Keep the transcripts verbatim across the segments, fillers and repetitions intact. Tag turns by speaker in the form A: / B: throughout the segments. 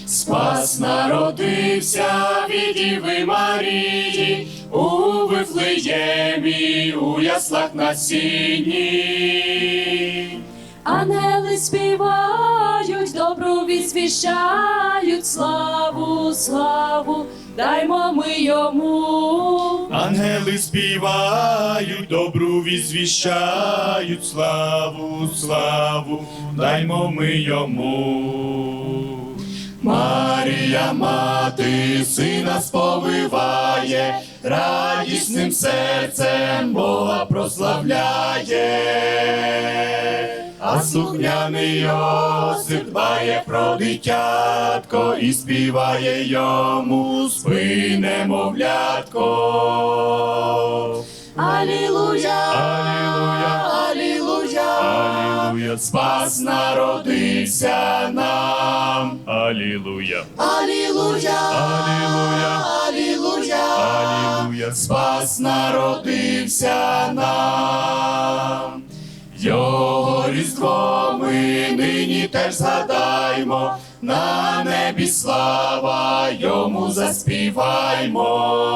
A: Спас народився від Діви Марії, у Вифлеємі, у яслах на сіні.
B: Ангели співають, добру відзвіщають, славу, славу, даймо ми йому.
A: Ангели співають, добру відзвіщають, славу, славу, даймо ми йому. Марія, мати, сина сповиває, радісним серцем Бога прославляє. А слухняний Йосип дбає про дитятко і співає йому спи, немовлятко.
B: Алілуя,
A: Алілуя,
B: алілуя,
A: алілуя, спас народився нам. Алілуя,
B: алілуя,
A: алілуя,
B: алілуя,
A: алілуя, спас народився нам. Його різдво ми нині теж згадаймо, на небі слава йому заспіваймо.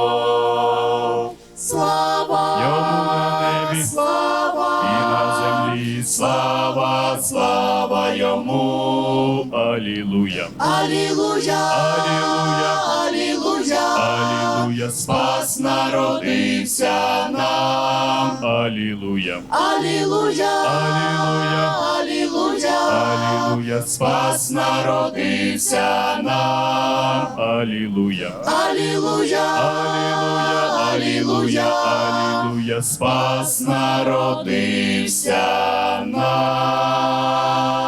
B: слава,
A: Йому на небі
B: слава,
A: і на землі слава, слава йому. Алілуя,
B: алілуя,
A: алілуя,
B: алілуя,
A: алілуя, спас народився нам. Алілуя,
B: алілуя,
A: алілуя,
B: алілуя,
A: алілуя, спас народився нам. Алілуя,
B: алілуя,
A: алілуя, алілуя, алілуя, спас народився нам.